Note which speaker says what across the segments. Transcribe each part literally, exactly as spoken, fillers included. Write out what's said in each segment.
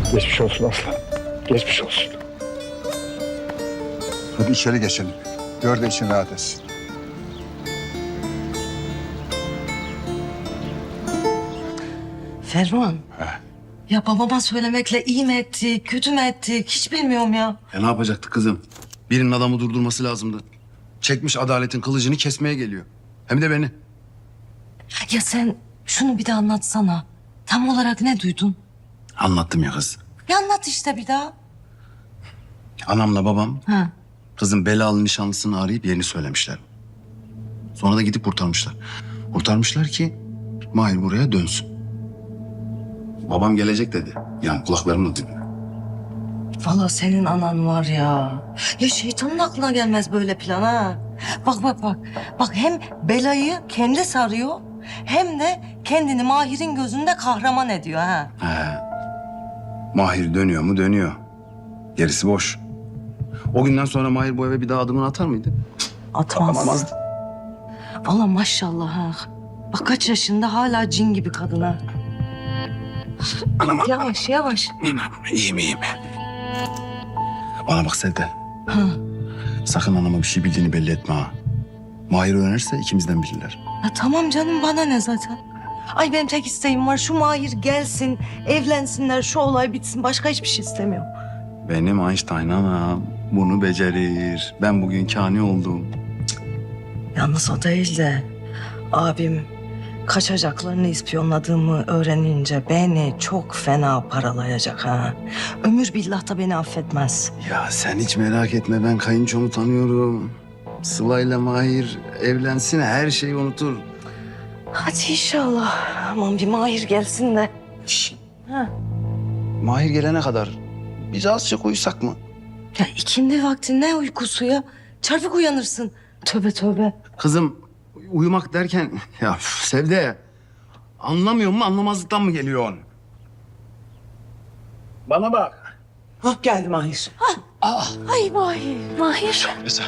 Speaker 1: Geçmiş olsun aslan. Geçmiş olsun.
Speaker 2: Hadi içeri geçelim. Gör de için rahat etsin.
Speaker 3: Ferman. Ya babama söylemekle iyi mi ettik, kötü mü ettik hiç bilmiyorum ya.
Speaker 4: E ne yapacaktı kızım? Birinin adamı durdurması lazımdı. Çekmiş adaletin kılıcını kesmeye geliyor. Hem de beni.
Speaker 3: Ya sen şunu bir de anlatsana. Tam olarak ne duydun?
Speaker 4: Anlattım ya kız.
Speaker 3: Ya anlat işte bir daha.
Speaker 4: Anamla babam
Speaker 3: Ha.
Speaker 4: kızın belalı nişanlısını arayıp yerini söylemişler. Sonra da gidip kurtarmışlar. Kurtarmışlar ki Mahir buraya dönsün. Babam gelecek dedi. Yani kulaklarımla dinle.
Speaker 3: Vallahi senin anan var ya. Ya şeytanın aklına gelmez böyle plan ha. Bak bak bak. Bak hem belayı kendi sarıyor hem de kendini Mahir'in gözünde kahraman ediyor ha.
Speaker 4: He. Mahir dönüyor mu dönüyor. Gerisi boş. O günden sonra Mahir bu eve bir daha adımını atar mıydı?
Speaker 3: Atmaz.
Speaker 4: Atamazdı.
Speaker 3: Vallahi maşallah ha. Bak kaç yaşında hala cin gibi kadın ha.
Speaker 4: Anam.
Speaker 3: Yavaş yavaş.
Speaker 4: İyiyim iyiyim. Bana bak Sevde.
Speaker 3: Ha.
Speaker 4: Sakın anama bir şey bildiğini belli etme ha. Mahir öğrenirse ikimizden bilirler.
Speaker 3: Ya tamam canım bana ne zaten. Ay benim tek isteğim var şu Mahir gelsin, evlensinler, şu olay bitsin. Başka hiçbir şey istemiyorum.
Speaker 4: Benim Einstein anam bunu becerir. Ben bugün kani oldum.
Speaker 3: Yalnız o değil de abim kaçacaklarını ispiyonladığımı öğrenince beni çok fena paralayacak ha. Ömür billah da beni affetmez.
Speaker 4: Ya sen hiç merak etme, ben kayınçomu tanıyorum. Sıla'yla Mahir evlensin, her şeyi unutur.
Speaker 3: Hadi inşallah. Aman bir Mahir gelsin de.
Speaker 4: Şişt.
Speaker 3: Ha.
Speaker 4: Mahir gelene kadar biz azıcık uyusak mı?
Speaker 3: Ya ikindi vakti ne uykusu ya? Çarpık uyanırsın. Tövbe tövbe.
Speaker 4: Kızım uyumak derken ya üf, Sevde anlamıyor mu, anlamazlıktan mı geliyor? Bana bak.
Speaker 5: Hah geldi Mahir.
Speaker 3: Ay Mahir. Mahir.
Speaker 1: Güzel.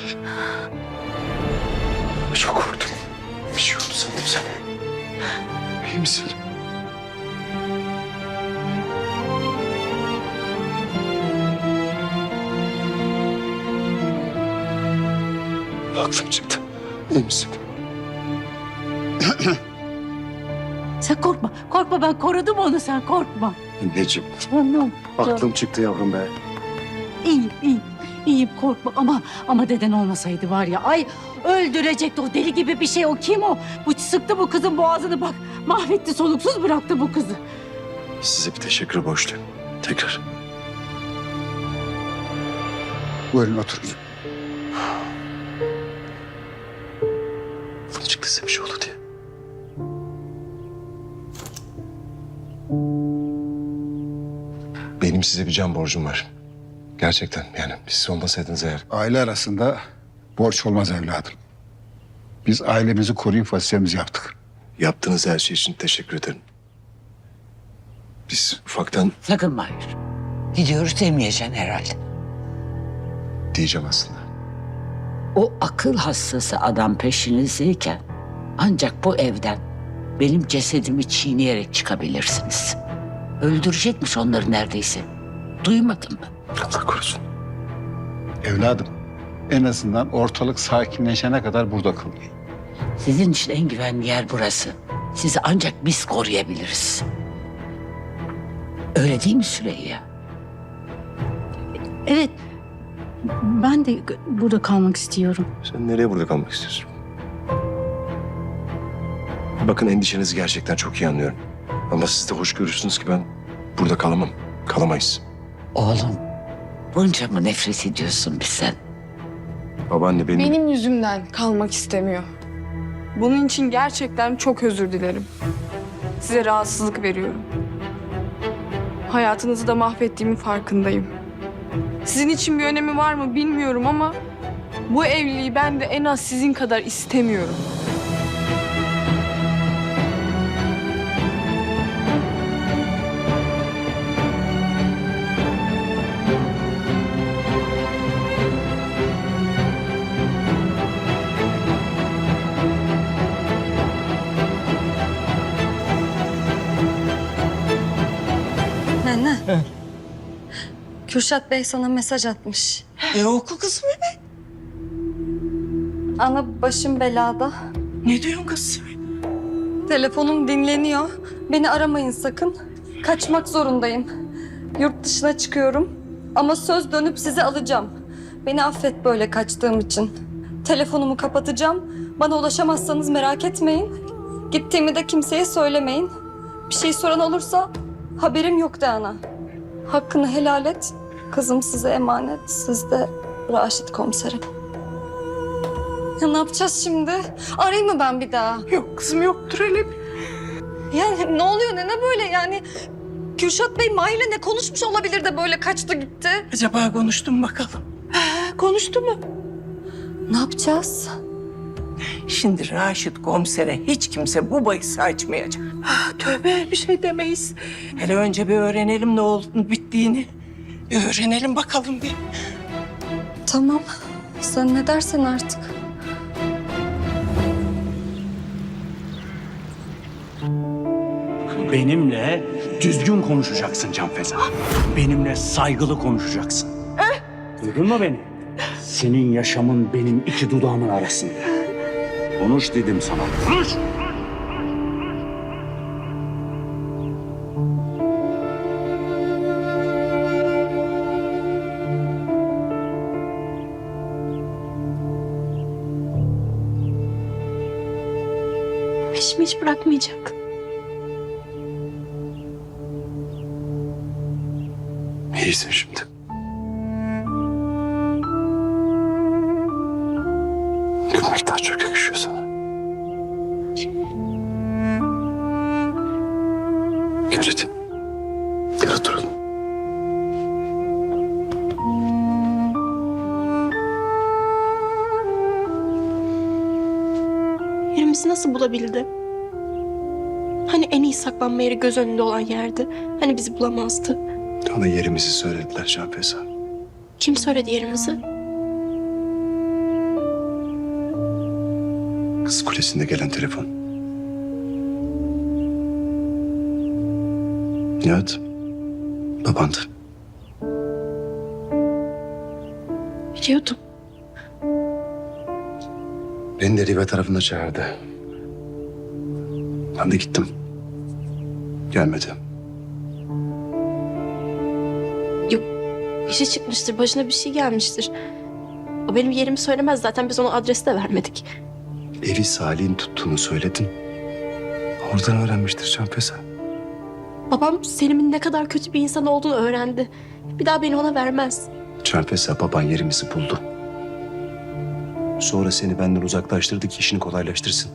Speaker 1: Çok korktum. Bir şey oldu sandım sana. İyi misin? Aklım çıktı. İyi misin?
Speaker 6: Sen korkma. Korkma ben korudum onu sen korkma.
Speaker 4: Anneciğim
Speaker 6: Tamam.
Speaker 4: aklım çıktı yavrum be.
Speaker 6: İyiyim iyiyim. İyiyim korkma ama ama deden olmasaydı var ya ay öldürecekti o deli gibi bir şey o kim o? Bu sıktı bu kızın boğazını bak mahvetti soluksuz bıraktı bu kızı.
Speaker 1: Size bir teşekkür borçluyum. Tekrar.
Speaker 2: Buyurun oturun.
Speaker 1: Ne çıktı size bir şey oldu diye.
Speaker 7: Benim size bir can borcum var. Gerçekten yani siz olmasaydınız eğer.
Speaker 2: Aile arasında borç olmaz evladım. Biz ailemizi koruyup vasiyemizi yaptık.
Speaker 7: Yaptığınız her şey için teşekkür ederim. Biz ufaktan
Speaker 5: Sakın Mahir. Gidiyoruz demeyeceksin herhalde.
Speaker 7: diyeceğim aslında.
Speaker 5: O akıl hastası adam peşinizdeyken ancak bu evden benim cesedimi çiğneyerek çıkabilirsiniz. Öldürecekmiş onları neredeyse. Duymadın mı?
Speaker 1: Allah korusun.
Speaker 2: Evladım en azından ortalık sakinleşene kadar burada kalın.
Speaker 5: Sizin için en güvenli yer burası. Sizi ancak biz koruyabiliriz. Öyle değil mi Süreyya?
Speaker 6: Evet ben de burada kalmak istiyorum.
Speaker 7: Sen nereye burada kalmak istiyorsun? Bakın endişenizi gerçekten çok iyi anlıyorum. Ama siz de hoş görürsünüz ki ben burada kalamam. Kalamayız.
Speaker 5: Oğlum bunca mı nefret ediyorsun bizden?
Speaker 7: Babaanne benim...
Speaker 8: Benim yüzümden kalmak istemiyor. Bunun için gerçekten çok özür dilerim. Size rahatsızlık veriyorum. Hayatınızı da mahvettiğimin farkındayım. Sizin için bir önemi var mı bilmiyorum ama bu evliliği ben de en az sizin kadar istemiyorum.
Speaker 3: Ne ne?
Speaker 9: Kürşat Bey sana mesaj atmış.
Speaker 3: E oku kızım hemen.
Speaker 9: Ana başım belada.
Speaker 3: Ne diyorsun kızım?
Speaker 9: Telefonum dinleniyor. Beni aramayın sakın. Kaçmak zorundayım. Yurt dışına çıkıyorum. Ama söz dönüp sizi alacağım. Beni affet böyle kaçtığım için. Telefonumu kapatacağım. Bana ulaşamazsanız merak etmeyin. Gittiğimi de kimseye söylemeyin. Bir şey soran olursa haberim yok de ana. Hakkını helal et. Kızım size emanet. Siz de Raşit komiserim. Ya ne yapacağız şimdi? Arayayım mı ben bir daha?
Speaker 3: Yok kızım yoktur öyle bir.
Speaker 9: Yani ne oluyor ne ne böyle yani? Kürşat Bey Mahir'le ne konuşmuş olabilir de böyle kaçtı gitti?
Speaker 3: Acaba konuştum mu bakalım? Ha, konuştu mu?
Speaker 9: Ne yapacağız?
Speaker 10: Şimdi Raşit komisere hiç kimse bu bahisi açmayacak.
Speaker 3: Ah, tövbe bir şey demeyiz.
Speaker 10: Hele önce bir öğrenelim ne olduğunu bittiğini.
Speaker 3: Bir öğrenelim bakalım bir.
Speaker 9: Tamam. Sen ne dersen artık.
Speaker 11: Benimle düzgün konuşacaksın Canfeza. Benimle saygılı konuşacaksın. Duydun mu beni? Senin yaşamın benim iki dudağımın arasında. Konuş dedim sana. Konuş!
Speaker 8: Peşimi hiç bırakmayacak.
Speaker 7: İyisin şimdi. Gülmek daha çok yakışıyor sana. Gel hadi. Gel oturalım.
Speaker 12: Yerimizi nasıl bulabildi? Hani en iyi saklanma yeri göz önünde olan yerdi. Hani bizi bulamazdı.
Speaker 7: Ona yerimizi söylediler Canfeza.
Speaker 12: Kim söyledi yerimizi?
Speaker 7: Kız Kulesi'nde gelen telefon. Nihat, babandı.
Speaker 12: Biliyordum.
Speaker 7: Beni de Rive tarafında çağırdı. Ben de gittim. Gelmedi.
Speaker 12: İşi çıkmıştır, başına bir şey gelmiştir. O benim yerimi söylemez zaten, biz ona adresi de vermedik.
Speaker 7: Evi Salih'in tuttuğunu söyledin. Oradan öğrenmiştir Canfeza.
Speaker 12: Babam Selim'in ne kadar kötü bir insan olduğunu öğrendi. Bir daha beni ona vermez.
Speaker 7: Canfeza, baban yerimizi buldu. Sonra seni benden uzaklaştırdı ki işini kolaylaştırsın.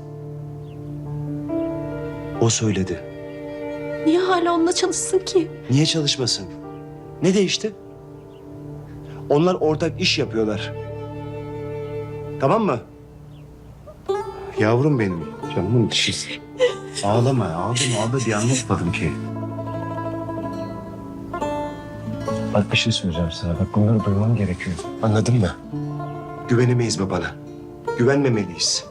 Speaker 7: O söyledi.
Speaker 12: Niye hala onunla çalışsın ki?
Speaker 7: Niye çalışmasın? Ne değişti? Onlar ortak iş yapıyorlar. Tamam mı? Yavrum benim, canımın dişisi. Ağlama, ağlama, ağla diye anlatmadım ki. Bak bir şey söyleyeceğim sana. Bak bunları duyman gerekiyor. Anladın mı? Güvenemeyiz babana. Güvenmemeliyiz.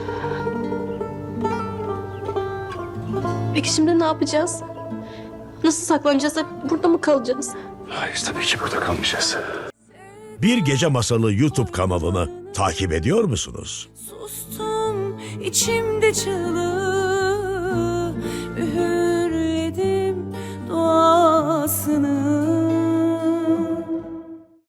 Speaker 12: Peki şimdi ne yapacağız? Nasıl saklanacağız? Hep burada mı kalacağız?
Speaker 7: Hayır, tabii ki burada kalmayacağız.
Speaker 13: Bir Gece Masalı YouTube kanalını takip ediyor musunuz?
Speaker 14: Sustum içimde çığlığı, üğürledim duasını.